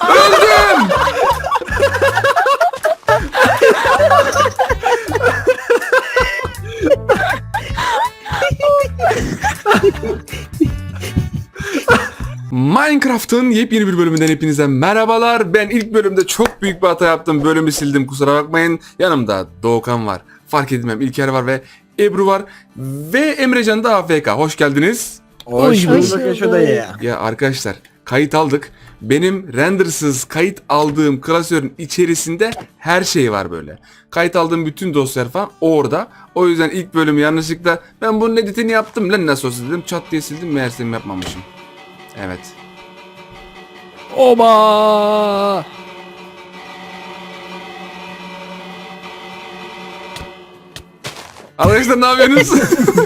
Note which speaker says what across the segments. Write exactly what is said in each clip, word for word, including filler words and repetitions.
Speaker 1: Öldüm. Minecraft'ın yepyeni bir bölümünden hepinize merhabalar. Ben ilk bölümde çok büyük bir hata yaptım. Bölümü sildim, kusura bakmayın. Yanımda Doğukan var. Fark edilmem İlker var ve Ebru var. Ve Emrecan da A F K. Hoş geldiniz.
Speaker 2: Hoş bulduk Eşo dayı.
Speaker 1: Ya arkadaşlar, kayıt aldık. Benim rendersız kayıt aldığım klasörün içerisinde her şey var böyle. Kayıt aldığım bütün dosyalar falan orada. O yüzden ilk bölümü yanlışlıkla ben bunun editini yaptım lan, nasıl olsa dedim, çat diye sildim, meğerse yapmamışım. Evet.
Speaker 2: Oba!
Speaker 1: Arkadaşlar ne yapıyorsunuz?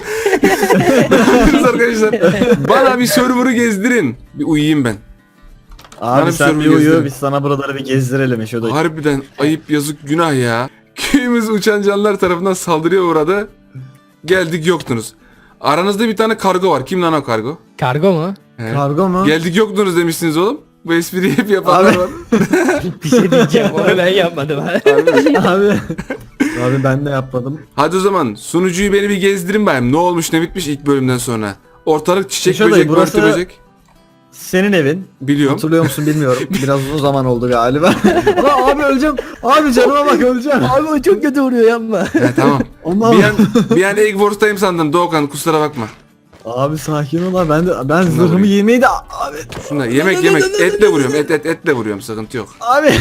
Speaker 1: Ne yapıyorsunuz arkadaşlar? Bana bir server'ı gezdirin. Bir uyuyayım ben. Bana
Speaker 2: Abi
Speaker 1: bir
Speaker 2: sen
Speaker 1: server
Speaker 2: bir uyu,
Speaker 1: gezdirin.
Speaker 2: biz sana buraları bir gezdirelim Eşo dayı.
Speaker 1: Harbiden ayıp, yazık, günah ya. Köyümüz uçan canlılar tarafından saldırıya uğradı. Geldik yoktunuz. Aranızda bir tane kargo var. Kim lan o kargo?
Speaker 3: Kargo mu?
Speaker 1: He.
Speaker 2: Kargo mu?
Speaker 1: Geldik yoktunuz demişsiniz oğlum. Bu espriyi hep yapanlar
Speaker 2: Abi.
Speaker 1: var.
Speaker 3: Bir şey diyeceğim, onu ben yapmadım.
Speaker 2: Abi. Abi ben de yapmadım.
Speaker 1: Hadi o zaman sunucuyu beni bir gezdirin bayım. Ne olmuş ne bitmiş ilk bölümden sonra. Ortalık çiçek
Speaker 2: Eşo dayı,
Speaker 1: böcek,
Speaker 2: burası-
Speaker 1: börtü böcek.
Speaker 2: Senin evin.
Speaker 1: Biliyorum.
Speaker 2: Hatırlıyor musun bilmiyorum. Biraz uzun zaman oldu galiba. Ama abi öleceğim. Abi canıma bak öleceğim.
Speaker 3: Abi o çok kötü vuruyor, yapma.
Speaker 1: He tamam.
Speaker 2: Ondan
Speaker 1: bir an, bir an Egg Wars'tayım sandım Doğukan, kusura bakma.
Speaker 2: Abi sakin ol abi. Ben de ben zırhımı
Speaker 1: vurayım.
Speaker 2: yemeyi de abi.
Speaker 1: Şuna yemek yemek etle vuruyorum, et et etle vuruyorum, sıkıntı yok.
Speaker 2: Abi.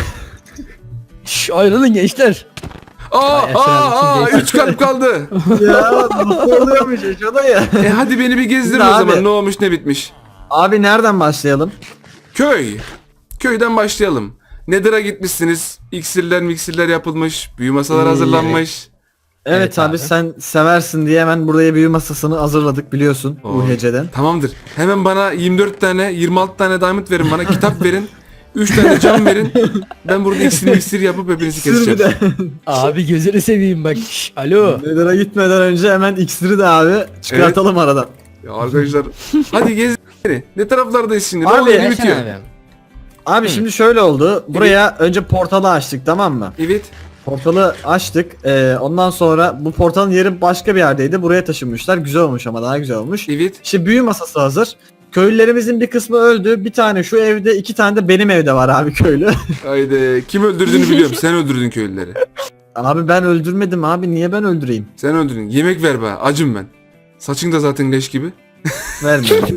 Speaker 3: Şşş, ayrılın gençler.
Speaker 1: Aa
Speaker 3: Ay,
Speaker 1: aa aa
Speaker 3: Efendim,
Speaker 1: üç kalp kaldı.
Speaker 2: Ya nasıl oluyormuş Eşo dayı?
Speaker 1: E hadi beni bir gezdirin
Speaker 2: Şimdi
Speaker 1: o
Speaker 2: abi-
Speaker 1: zaman, ne olmuş ne bitmiş.
Speaker 2: Abi nereden başlayalım?
Speaker 1: Köy. Köyden başlayalım. Nether'a gitmişsiniz. İksirler miksirler yapılmış. Büyü masalar
Speaker 2: İyi.
Speaker 1: hazırlanmış.
Speaker 2: Evet,
Speaker 3: Evet
Speaker 2: abi,
Speaker 3: abi.
Speaker 2: sen seversin diye hemen buraya büyü masasını hazırladık biliyorsun
Speaker 1: Oo.
Speaker 2: bu heceden.
Speaker 1: Tamamdır. Hemen bana yirmi dört tane yirmi altı tane diamond verin bana. Kitap verin. üç tane cam verin. Ben burada iksir miksir yapıp hepinizi
Speaker 2: İksiri bir
Speaker 1: keseceğim.
Speaker 2: de.
Speaker 3: Abi gözünü seveyim bak. Şşş, alo.
Speaker 2: Nether'a gitmeden önce hemen iksiri de abi çıkartalım aradan.
Speaker 1: Ya arkadaşlar hadi gez beni. Ne taraflardayız şimdi? Ne
Speaker 2: Abi,
Speaker 1: oluyor? Ne
Speaker 3: Gelsene
Speaker 1: bitiyor?
Speaker 3: abi.
Speaker 2: Abi şimdi şöyle oldu. Buraya önce portalı açtık, tamam mı?
Speaker 1: Evet.
Speaker 2: Portalı açtık. Ee, ondan sonra bu portalın yeri başka bir yerdeydi. Buraya taşınmışlar. Güzel olmuş ama daha güzel olmuş.
Speaker 1: Evet.
Speaker 2: İşte büyü masası hazır. Köylülerimizin bir kısmı öldü. Bir tane şu evde, iki tane de benim evde var abi köylü.
Speaker 1: Haydi. Kim öldürdüğünü biliyorum. Sen öldürdün köylüleri.
Speaker 2: Abi ben öldürmedim abi. Niye ben öldüreyim?
Speaker 1: Sen öldürdün. Yemek ver bana. Acım ben. Saçın da zaten leş gibi.
Speaker 2: Vermiyorum.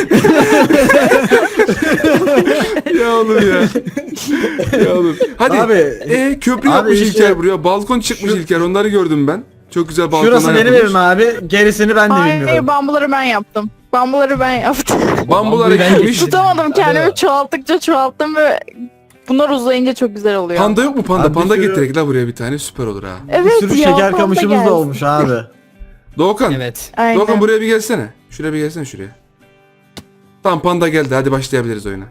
Speaker 1: Ya oğlum ya. Ya oğlum. Hadi.
Speaker 2: Abi,
Speaker 1: e, köprü
Speaker 2: abi
Speaker 1: yapmış
Speaker 2: işte-
Speaker 1: İlker buraya. Balkon çıkmış
Speaker 2: Şu-
Speaker 1: İlker. Onları gördüm ben. Çok güzel balkonlar
Speaker 2: Şurası benim
Speaker 1: yapılmış.
Speaker 2: evim abi. Gerisini ben de
Speaker 4: Hayır,
Speaker 2: bilmiyorum.
Speaker 4: bambuları ben yaptım. Bambuları ben yaptım.
Speaker 1: Bambular
Speaker 3: Bambuyu ben
Speaker 1: ekilmiş.
Speaker 3: getirdim.
Speaker 4: Tutamadım kendimi,
Speaker 3: Alo.
Speaker 4: çoğalttıkça çoğalttım ve bunlar uzayınca çok güzel oluyor.
Speaker 1: Panda yok mu panda?
Speaker 2: Abi bir
Speaker 1: Panda
Speaker 2: sürü-
Speaker 1: getirek la buraya bir tane, süper olur ha.
Speaker 2: Bir
Speaker 4: Evet
Speaker 2: sürü
Speaker 4: ya,
Speaker 2: şeker
Speaker 4: panda
Speaker 2: kamışımız
Speaker 4: gelsin.
Speaker 2: da olmuş abi.
Speaker 1: Doğukan.
Speaker 3: Evet.
Speaker 4: Aynen.
Speaker 1: Doğukan buraya bir gelsene. Şuraya bir gelsene şuraya. Tamam, panda geldi. Hadi başlayabiliriz oyuna.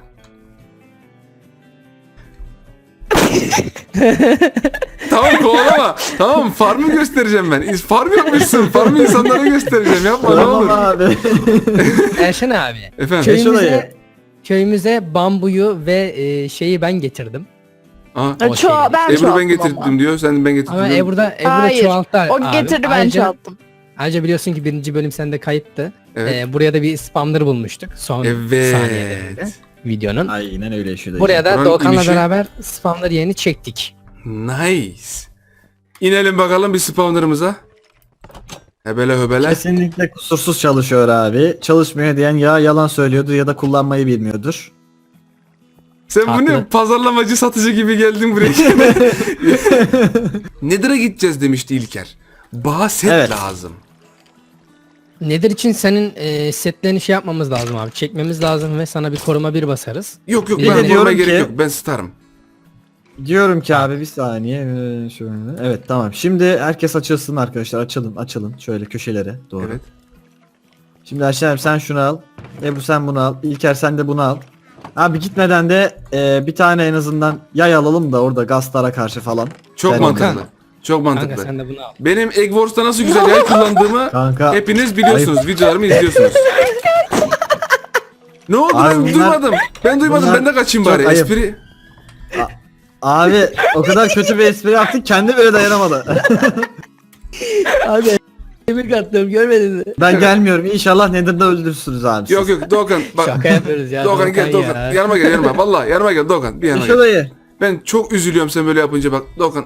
Speaker 1: Tamam, kovalama. Tamam, farmı göstereceğim ben. Farm yapmışsın. Farmı insanlara göstereceğim. Yapma ne
Speaker 2: Tamam
Speaker 1: olur.
Speaker 2: abi.
Speaker 3: Erşen abi.
Speaker 1: Efendim.
Speaker 2: Eşo dayı.
Speaker 3: Köyümüze, köyümüze bambuyu ve e, şeyi ben getirdim.
Speaker 1: Aa,
Speaker 4: Ha,
Speaker 3: O
Speaker 4: Ço-
Speaker 3: şey-
Speaker 4: ben
Speaker 1: Ebru
Speaker 4: çoğalttım
Speaker 1: ben getirdim
Speaker 4: ama.
Speaker 1: diyor. Sen ben getirdim.
Speaker 3: Ama
Speaker 1: diyorsun.
Speaker 3: Ebru'da, Ebru'da
Speaker 4: Hayır,
Speaker 3: çoğalttı
Speaker 4: o
Speaker 3: abi.
Speaker 4: getirdi, ben
Speaker 3: Ayrıca-
Speaker 4: çoğalttım.
Speaker 3: Ayrıca biliyorsun ki birinci bölüm sende kayıttı.
Speaker 1: Evet.
Speaker 3: Ee, buraya da bir spawner bulmuştuk. Son saniyelerinde
Speaker 1: Evet.
Speaker 3: videonun.
Speaker 2: Aynen öyle Eşo dayı.
Speaker 3: Buraya da
Speaker 1: Buranın
Speaker 3: Doğukan'la
Speaker 1: inişi-
Speaker 3: beraber spawner yerini çektik.
Speaker 1: Nice. İnelim bakalım bir spawner'ımıza. Hebele höbele.
Speaker 2: Kesinlikle kusursuz çalışıyor abi. Çalışmıyor diyen ya yalan söylüyordur ya da kullanmayı bilmiyordur.
Speaker 1: Sen bu ne
Speaker 3: Haklı.
Speaker 1: pazarlamacı satıcı gibi geldin buraya. Nether'a gideceğiz demişti İlker. Bana set
Speaker 2: Evet.
Speaker 1: lazım.
Speaker 3: Nedir için senin e, setlerini şey yapmamız lazım abi. Çekmemiz lazım ve sana bir koruma bir basarız.
Speaker 1: Yok yok,
Speaker 3: Bir
Speaker 1: ben
Speaker 3: de
Speaker 1: korumaya
Speaker 2: diyorum
Speaker 1: gerek
Speaker 2: ki-
Speaker 1: yok. Ben starım.
Speaker 2: Diyorum ki abi bir saniye ee, şöyle. Evet tamam. Şimdi herkes açılsın arkadaşlar. Açılın açılın. Şöyle köşelere doğru.
Speaker 1: Evet.
Speaker 2: Şimdi Ayşe abi sen şunu al. Ebru sen bunu al. İlker sen de bunu al. Abi gitmeden de ee, bir tane en azından yay alalım da orada gazlara karşı falan.
Speaker 1: Çok
Speaker 2: Ben-
Speaker 1: mantıklı. Çok
Speaker 3: Kanka
Speaker 1: mantıklı.
Speaker 3: sen de bunu al.
Speaker 1: Benim Egg Wars'ta nasıl güzel yay kullandığımı
Speaker 2: Kanka.
Speaker 1: hepiniz biliyorsunuz. Videolarımı izliyorsunuz. Ne oldu,
Speaker 2: Abi
Speaker 1: ben
Speaker 2: bunlar-
Speaker 1: duymadım. Ben duymadım.
Speaker 2: bunlar
Speaker 1: Ben de kaçayım
Speaker 2: çok
Speaker 1: bari.
Speaker 2: ayıp.
Speaker 1: Espri
Speaker 2: Abi o kadar kötü bir espri yaptık kendi bile dayanamadı.
Speaker 3: Abi kemik attım görmedin mi?
Speaker 2: Ben gelmiyorum. İnşallah Nether'da öldürürsünüz abi. siz.
Speaker 1: Yok yok Doğukan bak.
Speaker 3: Şaka yapıyoruz ya.
Speaker 1: Doğukan gel
Speaker 3: Doğukan
Speaker 1: Doğukan.
Speaker 3: ya.
Speaker 1: Yanıma gel yanıma. Vallahi yanıma gel Doğukan. Bir yanıma
Speaker 2: Şu
Speaker 1: gel.
Speaker 2: dayı.
Speaker 1: Ben çok üzülüyorum sen böyle yapınca bak. Doğukan.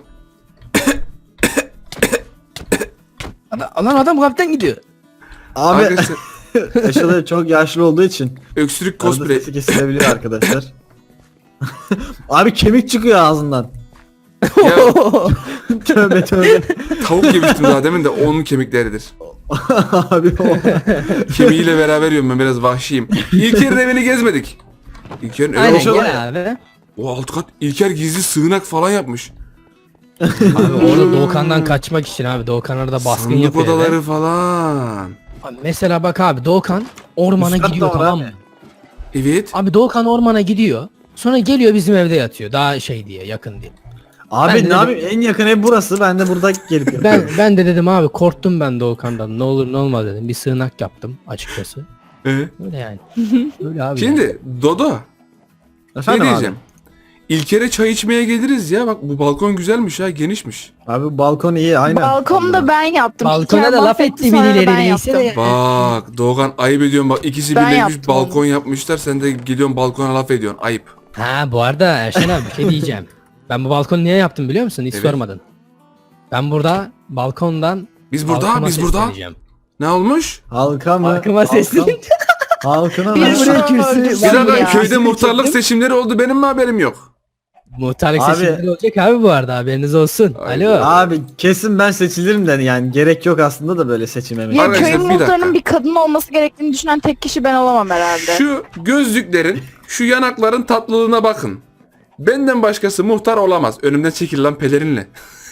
Speaker 3: Adam- Lan adam kapten gidiyor.
Speaker 2: Abi
Speaker 1: Arkadaşlar
Speaker 2: Işıl dayı çok yaşlı olduğu için
Speaker 1: öksürük
Speaker 2: arada
Speaker 1: cosplay.
Speaker 2: sesi kesilebilir arkadaşlar. Abi kemik çıkıyor ağzından.
Speaker 1: Ya
Speaker 2: Tövbe tövbe.
Speaker 1: tavuk yemiştim daha demin de onun kemikleridir.
Speaker 2: Abi o.
Speaker 1: Kemiğiyle beraber yiyorum ben biraz vahşiyim. İlker'in evini gezmedik. İlker'in evi
Speaker 3: Aynen
Speaker 1: olsa-
Speaker 3: gel abi.
Speaker 1: O alt kat İlker gizli sığınak falan yapmış.
Speaker 3: Abi orada Doğukan'dan kaçmak için abi. Doğukan orada baskın
Speaker 1: Sandık
Speaker 3: yapıyor.
Speaker 1: odaları
Speaker 3: eve.
Speaker 1: falan.
Speaker 3: Abi mesela bak abi Doğukan ormana
Speaker 2: Üst katta
Speaker 3: gidiyor
Speaker 2: var
Speaker 3: tamam
Speaker 2: abi.
Speaker 3: mı?
Speaker 1: Evet.
Speaker 3: Abi Doğukan ormana gidiyor. Sonra geliyor bizim evde yatıyor. Daha şey diye yakın diye.
Speaker 2: Abi
Speaker 3: Ben de
Speaker 2: ne
Speaker 3: dedim-
Speaker 2: yapayım en yakın ev burası ben de burada gelip
Speaker 3: Ben
Speaker 2: yapıyorum.
Speaker 3: ben de dedim abi korktum ben Doğukan'dan. Ne olur ne olmaz dedim. Bir sığınak yaptım açıkçası.
Speaker 1: Ee?
Speaker 3: Öyle yani. Öyle abi. yani.
Speaker 1: Şimdi Dodo ne
Speaker 2: Efendim abi?
Speaker 1: diyeceğim? İlker'e çay içmeye geliriz ya. Bak bu balkon güzelmiş ha, genişmiş.
Speaker 2: Abi balkon iyi aynen.
Speaker 4: Balkonu da ben yaptım.
Speaker 3: Balkona
Speaker 4: İlker
Speaker 3: da laf
Speaker 4: mahvetti,
Speaker 3: etti
Speaker 4: sonra da
Speaker 3: birileri
Speaker 4: ben
Speaker 3: neyse de.
Speaker 4: yaptım.
Speaker 1: Bak Doğukan ayıp ediyorsun bak, ikisi
Speaker 4: Ben
Speaker 1: birleşmiş
Speaker 4: yaptım
Speaker 1: balkon yapmışlar, sen de gidiyorsun balkona laf ediyorsun, ayıp.
Speaker 3: Ha bu arada Erşen abi bir şey diyeceğim. Ben bu balkonu niye yaptım biliyor musun? Hiç
Speaker 1: Evet.
Speaker 3: sormadın. Ben burada balkondan
Speaker 1: Biz burada,
Speaker 3: halkıma
Speaker 1: biz burada.
Speaker 3: sesleneceğim.
Speaker 1: Ne olmuş?
Speaker 2: Halka mı?
Speaker 3: Halkıma
Speaker 2: Halka-
Speaker 3: sesleneceğim.
Speaker 2: Halkına
Speaker 4: Bir
Speaker 2: mı?
Speaker 3: buraya
Speaker 4: sürü
Speaker 3: kürsü-
Speaker 4: öldürsün
Speaker 1: Bir
Speaker 3: Ben
Speaker 1: dakika,
Speaker 4: ya.
Speaker 1: köyde
Speaker 3: Seni
Speaker 1: muhtarlık
Speaker 3: çektim.
Speaker 1: seçimleri oldu, benim mi haberim yok?
Speaker 3: Muhtarlık
Speaker 2: Abi-
Speaker 3: seçimleri olacak abi bu arada haberiniz olsun.
Speaker 1: Ay-
Speaker 3: Alo.
Speaker 2: Abi kesin ben seçilirim de yani gerek yok aslında da böyle seçime.
Speaker 4: Ya
Speaker 1: Arkadaşlar,
Speaker 4: köyün
Speaker 1: bir dakika.
Speaker 4: muhtarının bir kadın olması gerektiğini düşünen tek kişi ben olamam herhalde.
Speaker 1: Şu gözlüklerin, şu yanakların tatlılığına bakın. Benden başkası muhtar olamaz. Önümden çekil lan pelerinle.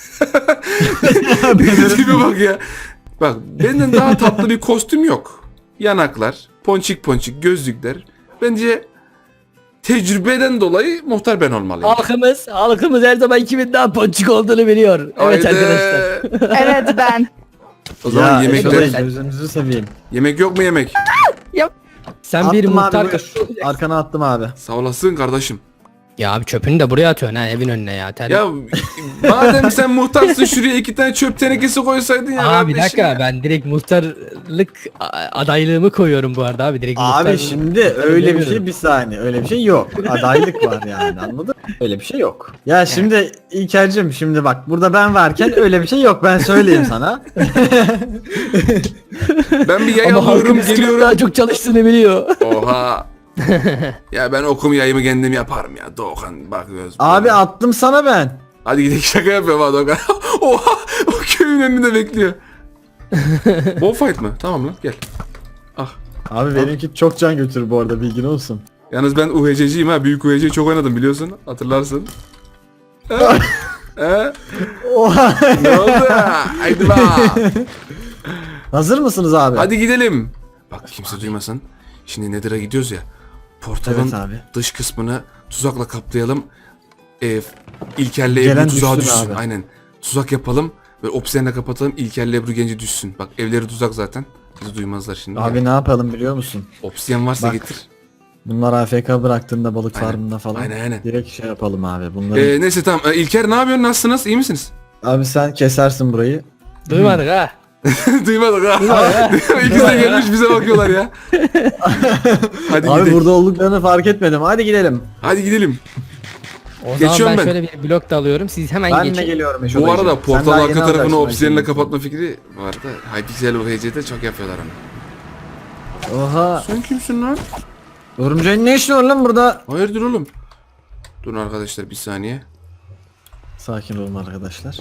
Speaker 1: Tipe bak ya. Bak benden daha tatlı bir kostüm yok. Yanaklar, ponçik ponçik gözlükler. Bence tecrübeden dolayı muhtar ben olmalıyım.
Speaker 3: Halkımız, halkımız her zaman kimin daha ponçik olduğunu biliyor. Evet
Speaker 1: Haydi.
Speaker 3: arkadaşlar.
Speaker 4: Evet ben.
Speaker 1: O zaman
Speaker 2: Ya
Speaker 1: yemekler.
Speaker 2: şöyle gözünüzü seveyim.
Speaker 1: Yemek yok mu yemek?
Speaker 3: Sen bir
Speaker 2: Attım
Speaker 3: muhtar...
Speaker 2: abi buraya. Arkana attım abi.
Speaker 1: Sağ olasın kardeşim.
Speaker 3: Ya abi çöpünü de buraya atıyorsun ha evin önüne ya. Ter...
Speaker 1: Ya madem sen muhtarsın, şuraya iki tane çöp tenekesi koysaydın ya.
Speaker 3: Aa bir
Speaker 1: kardeşim
Speaker 3: dakika
Speaker 1: ya.
Speaker 3: ben direkt muhtarlık a- adaylığımı koyuyorum bu arada abi direkt
Speaker 2: Abi
Speaker 3: muhtar-
Speaker 2: şimdi öyle bir şey bir saniye öyle bir şey yok. Adaylık var yani anladın mı? Öyle bir şey yok. Ya şimdi İlker'cim şimdi bak burada ben varken öyle bir şey yok ben söyleyeyim sana.
Speaker 1: Ben bir yay
Speaker 3: Ama
Speaker 1: alıyorum
Speaker 3: halkımız kimin
Speaker 1: geliyorum.
Speaker 3: daha çok çalıştığını biliyor.
Speaker 1: Oha. Ya ben okum yayımı kendim yaparım ya. Doğukan bak göz.
Speaker 2: Abi attım sana ben.
Speaker 1: Hadi gidelim, şaka yapıyorum ha Doğukan. Oha. O köyün önünde bekliyor. Bol fight mı? Tamam lan gel. Ah.
Speaker 2: Abi benimki çok can götürür bu arada bilgin olsun.
Speaker 1: Yalnız ben U H C'ciyim ha. Büyük U H C'yi çok oynadım biliyorsun. Hatırlarsın. He? He?
Speaker 2: Oha.
Speaker 1: Ne oldu? Haydi bak.
Speaker 2: Hazır mısınız abi?
Speaker 1: Hadi gidelim. Bak kimse duymasın. Şimdi Nether'a gidiyoruz ya. Portalın
Speaker 2: Evet abi.
Speaker 1: dış kısmını tuzakla kaplayalım. Ee, İlker'le
Speaker 2: Gelen
Speaker 1: Ebru tuzağa
Speaker 2: düşsün
Speaker 1: düşsün.
Speaker 2: abi.
Speaker 1: Aynen. Tuzak yapalım. Ve obsidianle kapatalım. İlker'le Ebru genci düşsün. Bak evleri tuzak zaten. Bizi duymazlar şimdi.
Speaker 2: Abi
Speaker 1: Ya.
Speaker 2: ne yapalım biliyor musun?
Speaker 1: Obsidian varsa
Speaker 2: Bak.
Speaker 1: getir.
Speaker 2: Bunlar A F K bıraktığında balık
Speaker 1: Aynen.
Speaker 2: farmında falan.
Speaker 1: Aynen, aynen.
Speaker 2: Direkt şey yapalım abi bunları.
Speaker 1: Ee, neyse tamam. Ee, İlker ne yapıyorsun? Nasılsınız? İyi misiniz?
Speaker 2: Abi sen kesersin burayı.
Speaker 3: Duymadık ha.
Speaker 1: Duymadık ha. İkisi de gelmiş bize bakıyorlar ya. Hadi
Speaker 2: Abi
Speaker 1: gidelim.
Speaker 2: burada olduklarını fark etmedim. Hadi gidelim.
Speaker 1: Hadi gidelim.
Speaker 3: O
Speaker 1: Geçiyorum
Speaker 3: zaman ben,
Speaker 1: ben.
Speaker 3: şöyle bir blok da alıyorum. Siz hemen
Speaker 2: Ben
Speaker 3: geçin.
Speaker 2: de geliyorum Eşo
Speaker 1: Bu
Speaker 2: dayıcım.
Speaker 1: arada
Speaker 2: Sen
Speaker 1: portal
Speaker 2: daha
Speaker 1: arka
Speaker 2: yeni
Speaker 1: tarafını
Speaker 2: alacaksın
Speaker 1: obsidianle
Speaker 2: belki.
Speaker 1: kapatma fikri vardı. Hypixel U H C'de çok yapıyorlar onu.
Speaker 2: Oha.
Speaker 1: Sen kimsin lan?
Speaker 2: Örümceğin ne işi var lan burada?
Speaker 1: Hayırdır oğlum? Durun arkadaşlar bir saniye.
Speaker 2: Sakin olun arkadaşlar.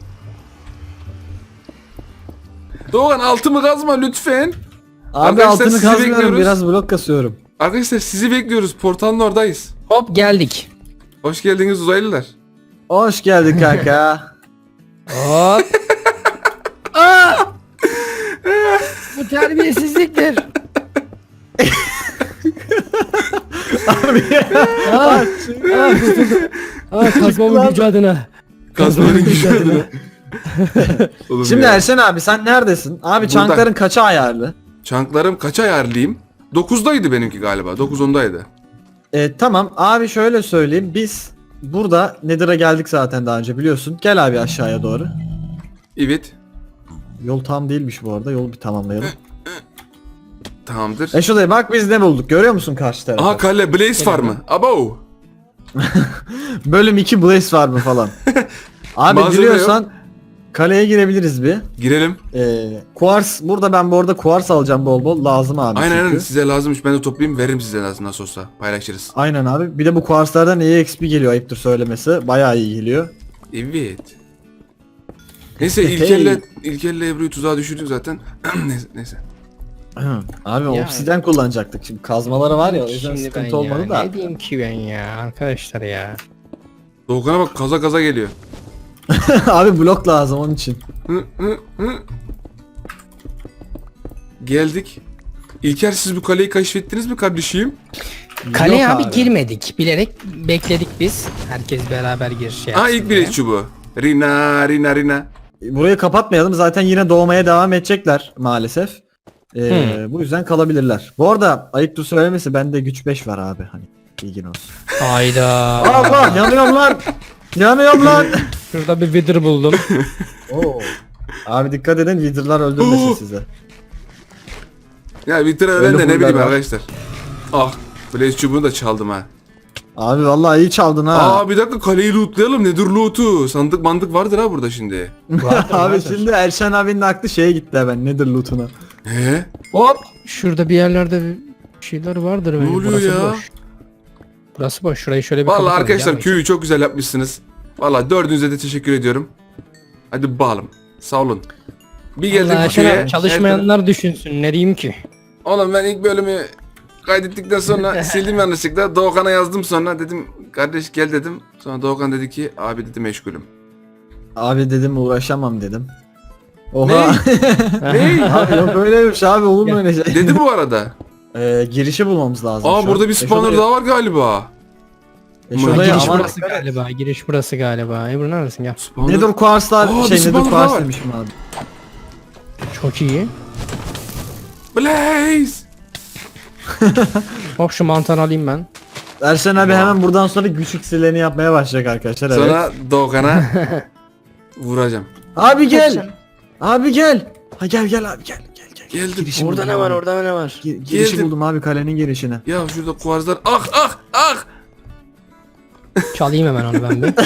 Speaker 1: Doğan altımı kazma lütfen.
Speaker 2: Abi
Speaker 1: Arkadaşlar,
Speaker 2: altını
Speaker 1: sizi
Speaker 2: kazmıyorum
Speaker 1: bekliyoruz.
Speaker 2: biraz blok kasıyorum.
Speaker 1: Arkadaşlar sizi bekliyoruz. Portalın oradayız.
Speaker 3: Hop geldik.
Speaker 1: Hoş geldiniz uzaylılar.
Speaker 2: Hoş geldin kanka.
Speaker 3: Hop. Aa! Bu terbiyesizliktir. Aa, aa, aa, kazmamın gücü adına.
Speaker 1: Kazmanın gücü adına. Oğlum
Speaker 2: Şimdi
Speaker 1: ya.
Speaker 2: Erşen abi sen neredesin? Abi
Speaker 1: Burada.
Speaker 2: çankların kaça ayarlı?
Speaker 1: Çanklarım kaça ayarlayayım? dokuzdaydı benimki galiba. dokuz ondaydı.
Speaker 2: E, tamam abi şöyle söyleyeyim biz burada Nether'a geldik zaten daha önce biliyorsun. Gel abi aşağıya doğru.
Speaker 1: Evet.
Speaker 2: Yol tam değilmiş bu arada. Yolu bir tamamlayalım.
Speaker 1: Tamamdır.
Speaker 2: E şuraya bak biz ne bulduk. Görüyor musun karşı tarafı?
Speaker 1: Aha kale Blaze Farmı. Abo.
Speaker 2: Bölüm iki Blaze var mı falan. Abi
Speaker 1: Malzeme
Speaker 2: biliyorsan kaleye girebiliriz bir.
Speaker 1: Girelim.
Speaker 2: Ee, Quartz burada ben bu arada Quartz alacağım bol bol. Lazım abi
Speaker 1: Aynen
Speaker 2: çünkü.
Speaker 1: aynen size lazımmış. Ben de toplayayım veririm size lazım nasıl olsa. Paylaşırız.
Speaker 2: Aynen abi. Bir de bu Quartz'lardan E X P geliyor ayıptır söylemesi. Bayağı iyi geliyor.
Speaker 1: Evet. Neyse
Speaker 2: Hey.
Speaker 1: İlker'le İlker'le Ebru'yu tuzağa düşürdük zaten. neyse. neyse.
Speaker 2: Abi
Speaker 3: Ya.
Speaker 2: obsiden kullanacaktık. Şimdi kazmaları var ya o yüzden
Speaker 3: Şimdi ben
Speaker 2: sıkıntı olmadı
Speaker 3: ya,
Speaker 2: da.
Speaker 3: ne diyeyim ki ben ya arkadaşlar ya.
Speaker 1: Doğukan'a bak kaza kaza geliyor.
Speaker 2: Abi blok lazım onun için.
Speaker 1: Hı, hı, hı. Geldik. İlker siz bu kaleyi keşfettiniz mi kardeşim?
Speaker 3: Kaleye
Speaker 2: Yok
Speaker 3: abi, girmedik. Bilerek bekledik biz. Herkes beraber giriş yapsın
Speaker 1: Aa ilk
Speaker 3: diye.
Speaker 1: bir çubuğu. Rina Rina Rina.
Speaker 2: Burayı kapatmayalım. Zaten yine doğmaya devam edecekler maalesef. Ee, bu yüzden kalabilirler. Bu arada ayıptır söylemesi bende güç beş var abi. Hani bilgin olsun.
Speaker 3: Hayda.
Speaker 2: Allah yanıyorum lan. Yanıyorum lan.
Speaker 3: Şurada bir wither buldum.
Speaker 2: Oo. Abi dikkat edin Wither'lar öldürmesin
Speaker 1: Oo.
Speaker 2: sizi.
Speaker 1: Ya bir tane
Speaker 2: Öyle
Speaker 1: ben de ne
Speaker 2: huylar
Speaker 1: bileyim
Speaker 2: var.
Speaker 1: arkadaşlar. Ah Blaze çubuğunu da çaldım ha.
Speaker 2: Abi vallahi iyi çaldın ha.
Speaker 1: Aa bir dakika kaleyi lootlayalım. Nedir loot'u? Sandık mandık vardır ha burada şimdi.
Speaker 3: Vardır,
Speaker 2: Abi
Speaker 3: vardır.
Speaker 2: şimdi Erşen abinin aklı şeye gitti hemen nedir loot'una.
Speaker 1: He?
Speaker 3: Hop. Şurada bir yerlerde bir şeyler vardır. bence.
Speaker 1: oluyor
Speaker 3: Burası
Speaker 1: ya?
Speaker 3: Boş. Burası boş. Şurayı şöyle bir
Speaker 1: Vallahi
Speaker 3: kapatalım,
Speaker 1: arkadaşlar
Speaker 3: gelmeyin.
Speaker 1: köyü çok güzel yapmışsınız. Vallahi dördünüze de teşekkür ediyorum. Hadi bakalım. Sağ olun. Bir geldik
Speaker 3: Vallahi
Speaker 1: bu
Speaker 3: Şener,
Speaker 1: köye.
Speaker 3: çalışmayanlar düşünsün. Ne diyeyim ki?
Speaker 1: Oğlum ben ilk bölümü kaydettikten sonra sildim yanlışlıkla. Doğukan'a yazdım sonra dedim kardeş gel dedim. Sonra Doğukan dedi ki abi dedi meşgulüm.
Speaker 2: Abi dedim uğraşamam dedim. Oha.
Speaker 1: Ne?
Speaker 2: Abi yok öyleymiş abi olur mu öyle şey?
Speaker 1: Dedi bu arada.
Speaker 2: Ee, girişi bulmamız lazım.
Speaker 1: Aa
Speaker 2: şu
Speaker 1: burada
Speaker 2: an.
Speaker 1: bir
Speaker 2: E,
Speaker 1: spawner
Speaker 2: şurada-
Speaker 1: daha var galiba.
Speaker 2: E,
Speaker 1: Ha,
Speaker 2: şurada
Speaker 3: Giriş
Speaker 2: aman
Speaker 3: burası
Speaker 2: dikkat et.
Speaker 3: galiba. Giriş burası galiba. Ebru neredesin gel.
Speaker 1: Spawner.
Speaker 2: Nether Quartz'lar
Speaker 1: Aa,
Speaker 2: şey
Speaker 1: bir
Speaker 2: Nether
Speaker 1: spawner daha
Speaker 2: Quartz
Speaker 1: var.
Speaker 2: demişim abi.
Speaker 3: Çok iyi.
Speaker 1: Blaze.
Speaker 3: Hop şu mantarı alayım ben.
Speaker 2: Erşen abi hemen buradan sonra güç iksirlerini yapmaya başlayacak arkadaşlar. Evet.
Speaker 1: Sonra Doğukan'a vuracağım.
Speaker 2: Abi gel. Abi gel. Ha gel gel abi gel gel gel.
Speaker 1: Geldim.
Speaker 2: Girişi
Speaker 3: Orada
Speaker 2: buldum
Speaker 3: ne var
Speaker 2: abi.
Speaker 3: orada ne var?
Speaker 2: Gi- girişi
Speaker 1: Geldim.
Speaker 2: buldum abi kalenin girişine.
Speaker 1: Ya şurada kuvarzlar. Ah ah ah.
Speaker 3: Çalayım hemen onu ben bir.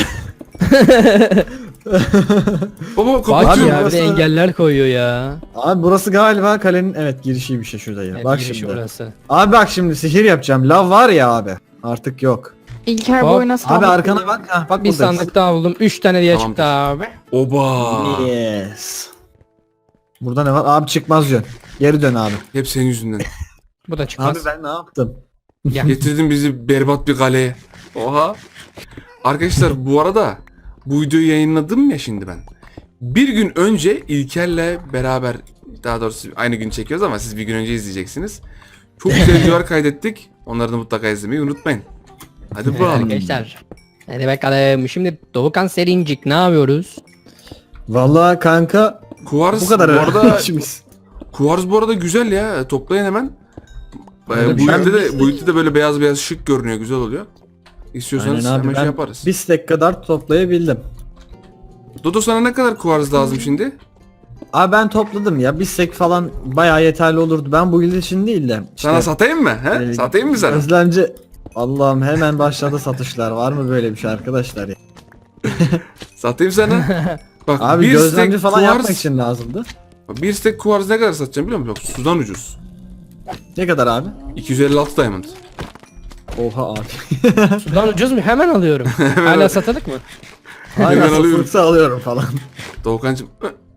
Speaker 1: Baba
Speaker 3: Bak
Speaker 1: kapatıyorum.
Speaker 3: ya bir
Speaker 2: burası-
Speaker 3: de engeller koyuyor ya.
Speaker 2: Abi burası galiba kalenin evet girişiymiş ya şurada yine.
Speaker 3: Evet,
Speaker 2: bak
Speaker 3: girişi
Speaker 2: şimdi.
Speaker 3: burası.
Speaker 2: Abi bak şimdi sihir yapacağım. Lav var ya abi. Artık yok.
Speaker 4: İlker bu
Speaker 3: Hop.
Speaker 4: oyuna
Speaker 2: Abi
Speaker 4: sağlık
Speaker 2: arkana
Speaker 4: diliyorum.
Speaker 2: bak. Ha, bak
Speaker 3: Bir
Speaker 2: buradayız.
Speaker 3: sandık daha buldum. Üç tane diye
Speaker 1: Tamamdır.
Speaker 3: çıktı abi.
Speaker 1: Oba.
Speaker 2: Yes. Burada ne var? Abi çıkmaz yön. Geri dön abi.
Speaker 1: Hep senin yüzünden.
Speaker 3: Bu da çıkmaz.
Speaker 2: Abi ben ne yaptım?
Speaker 3: Gel.
Speaker 1: Getirdin bizi berbat bir kaleye. Oha. Arkadaşlar bu arada bu videoyu yayınladım ya şimdi ben. Bir gün önce İlker'le beraber daha doğrusu aynı gün çekiyoruz ama siz bir gün önce izleyeceksiniz. Çok güzel videolar kaydettik. Onları da mutlaka izlemeyi unutmayın. Hadi
Speaker 3: Evet,
Speaker 1: bakalım.
Speaker 3: arkadaşlar. Hadi bakalım. Şimdi Doğukan Serincik ne yapıyoruz?
Speaker 2: Vallahi kanka
Speaker 1: Kuvars
Speaker 2: bu kadar
Speaker 1: bu arada
Speaker 2: işimiz.
Speaker 1: Kuvars bu arada güzel ya. Toplayın hemen.
Speaker 2: Öyle
Speaker 1: Ee,
Speaker 2: bir
Speaker 1: bu
Speaker 2: şey
Speaker 1: ülkede
Speaker 2: mi?
Speaker 1: de bu ülkede de böyle beyaz beyaz şık görünüyor, güzel oluyor. İstiyorsanız
Speaker 2: Aynen abi
Speaker 1: hemen şey
Speaker 2: ben
Speaker 1: yaparız.
Speaker 2: bir stack kadar toplayabildim.
Speaker 1: Dodo sana ne kadar kuvars lazım şimdi?
Speaker 2: Abi ben topladım ya. Bir stack falan bayağı yeterli olurdu. Ben bu yıl için değil de. işte,
Speaker 1: Sana satayım mı? He?
Speaker 2: e,
Speaker 1: Satayım mı sana?
Speaker 2: Gözlemci. Allah'ım hemen başladı satışlar. Var mı böyle bir şey arkadaşlar ya?
Speaker 1: Satayım sana. Bak
Speaker 2: Abi
Speaker 1: bir
Speaker 2: gözlemci
Speaker 1: stack
Speaker 2: falan
Speaker 1: kuvars,
Speaker 2: yapmak için lazımdı.
Speaker 1: bir stack kuvars ne kadar satacağım biliyor musun? Bak sudan ucuz.
Speaker 2: Ne kadar abi?
Speaker 1: iki yüz elli altı diamond.
Speaker 2: Oha abi.
Speaker 3: Sudan ucuz mu? Hemen alıyorum. Hala satılık mı?
Speaker 2: Hala
Speaker 1: Hemen alıyorum.
Speaker 2: satılıksa alıyorum falan.
Speaker 1: Doğukancım.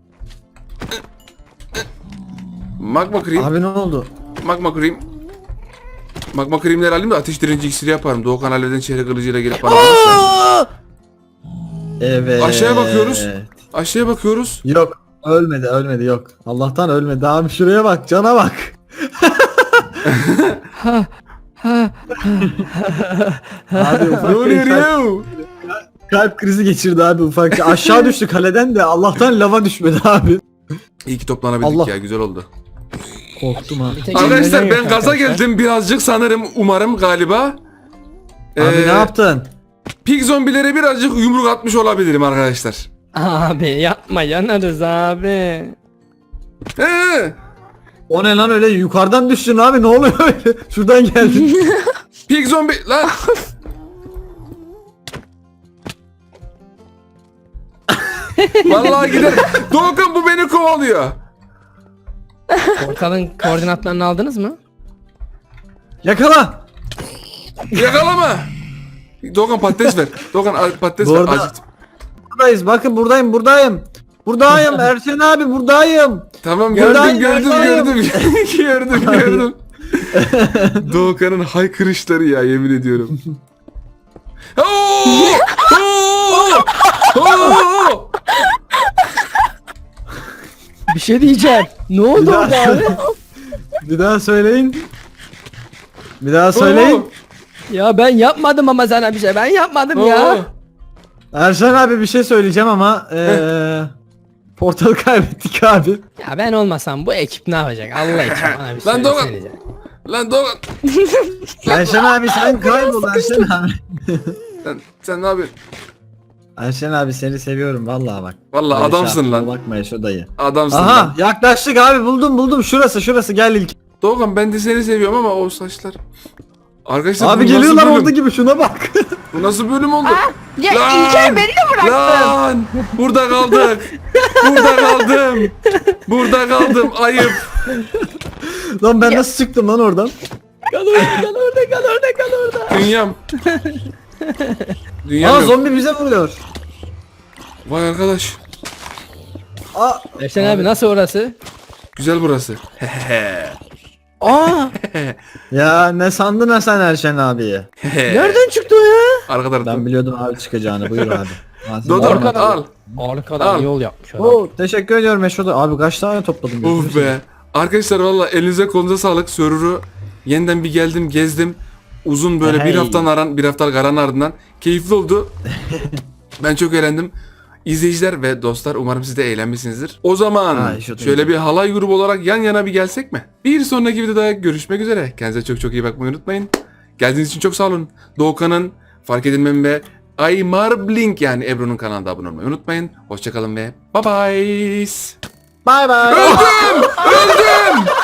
Speaker 1: Magma cream.
Speaker 2: Abi ne oldu?
Speaker 1: Magma cream. Magma creamleri alayım da ateş direnci iksiri yaparım. Doğukan halleden çehre kılıcıyla gelip bana vurursa.
Speaker 2: Evet.
Speaker 1: Aşağıya bakıyoruz. Aşağıya bakıyoruz.
Speaker 2: Yok. Ölmedi ölmedi yok. Allah'tan ölmedi abi şuraya bak cana bak. Abi
Speaker 1: Ne
Speaker 2: ufak
Speaker 1: oluyor
Speaker 2: bir kalp,
Speaker 1: ya?
Speaker 2: kalp krizi geçirdi abi ufak. Aşağı düştü kaleden de Allah'tan lava düşmedi abi.
Speaker 1: İyi ki toplanabildik
Speaker 2: Allah.
Speaker 1: ya, güzel oldu.
Speaker 2: Korktum ha.
Speaker 3: Bir tek
Speaker 1: Arkadaşlar
Speaker 3: eldiven
Speaker 1: ben
Speaker 3: yok
Speaker 1: gaza
Speaker 3: arkadaşlar.
Speaker 1: geldim birazcık sanırım, umarım, galiba.
Speaker 2: Abi
Speaker 1: Ee,
Speaker 2: ne yaptın?
Speaker 1: Pig zombilere birazcık yumruk atmış olabilirim arkadaşlar.
Speaker 3: Abi yapma yanarız abi.
Speaker 1: He.
Speaker 2: O ne lan öyle yukarıdan düştün abi ne oluyor öyle? Şuradan geldin.
Speaker 1: Pig zombi lan. Vallahi gider. Doğukan bu beni kovalıyor.
Speaker 3: Portalın koordinatlarını aldınız mı?
Speaker 2: Yakala.
Speaker 1: Yakalama. Doğukan patates ver. Doğukan al, patates
Speaker 2: Bu
Speaker 1: ver.
Speaker 2: arada-
Speaker 1: Acıktım.
Speaker 2: Buradayız bakın buradayım buradayım. Buradayım Erşen abi buradayım.
Speaker 1: Tamam
Speaker 2: Buradan
Speaker 1: gördüm gördüm
Speaker 2: yakaladım.
Speaker 1: gördüm. gördüm gördüm. Doğukan'ın haykırışları ya yemin ediyorum. Oo! Oo! Oo!
Speaker 3: Bir şey diyeceğim. Ne oldu
Speaker 2: Bir
Speaker 3: orada
Speaker 2: daha-
Speaker 3: abi?
Speaker 2: Bir daha söyleyin. Bir daha söyleyin.
Speaker 3: Ya ben yapmadım ama sana bir şey. Ben yapmadım
Speaker 1: Oo!
Speaker 3: ya.
Speaker 2: Erşen abi bir şey söyleyeceğim ama eee portalı kaybettik abi.
Speaker 3: Ya ben olmasam bu ekip ne yapacak? Allah için bana bir
Speaker 1: Lan Doğan.
Speaker 3: söylesenize.
Speaker 1: Lan Doğukan.
Speaker 2: Erşen abi sen kaybol Erşen abi.
Speaker 1: Sen, sen ne yapıyorsun?
Speaker 2: Erşen abi seni seviyorum vallahi bak.
Speaker 1: Vallahi
Speaker 2: Böyle
Speaker 1: adamsın
Speaker 2: şarkıya
Speaker 1: lan.
Speaker 2: Bakma şu dayı.
Speaker 1: Adamsın
Speaker 2: Aha
Speaker 1: lan.
Speaker 2: yaklaştık abi buldum buldum şurası şurası gel ilk.
Speaker 1: Doğukan ben de seni seviyorum ama o saçlar. Arkadaşlar
Speaker 2: Abi
Speaker 1: bu
Speaker 2: geliyorlar
Speaker 1: nasıl bölüm?
Speaker 2: orada gibi şuna bak.
Speaker 1: Bu nasıl bölüm oldu?
Speaker 4: Ya
Speaker 1: Lan!
Speaker 4: İlker beni de bıraktın.
Speaker 1: Lan! Burada kaldık. Burada kaldım. Burada kaldım. Ayıp.
Speaker 2: Lan ben nasıl çıktım lan oradan?
Speaker 3: Kal orada kal orada kal orada kal orada.
Speaker 1: Dünyam. Dünyam
Speaker 2: Aa
Speaker 1: yok.
Speaker 2: zombi bize vuruyor.
Speaker 1: Vay arkadaş.
Speaker 2: Aa
Speaker 3: Erşen abi nasıl orası?
Speaker 1: Güzel burası.
Speaker 3: Aa!
Speaker 2: ya ne sandın ha sen Erşen abiyi?
Speaker 3: Nereden çıktı o ya?
Speaker 1: Arka taraftan.
Speaker 2: Ben biliyordum abi çıkacağını buyur abi.
Speaker 1: Dodo
Speaker 3: Arkadan-
Speaker 1: al.
Speaker 3: Arkadan
Speaker 1: Al.
Speaker 3: yol yapmış adam.
Speaker 2: Oo, teşekkür ediyorum Meşo'da. Abi kaç tane topladım?
Speaker 1: Of be. Arkadaşlar valla elinize kolunuza sağlık. Server'ı yeniden bir geldim gezdim. Uzun böyle bir
Speaker 2: Hey.
Speaker 1: haftanın aran, bir haftalık aranın ardından keyifli oldu. Ben çok eğlendim. İzleyiciler ve dostlar umarım siz de eğlenmişsinizdir. O zaman
Speaker 2: Ha, iş oturdu.
Speaker 1: şöyle bir halay grubu olarak yan yana bir gelsek mi? Bir sonraki videoda görüşmek üzere. Kendinize çok çok iyi bakmayı unutmayın. Geldiğiniz için çok sağ olun. Doğukan'ın fark edilmem ve Aymar Blink yani Ebru'nun kanalına abone olmayı unutmayın. Hoşçakalın ve bye bye.
Speaker 2: Bye bye.
Speaker 1: Öldüm! Öldüm!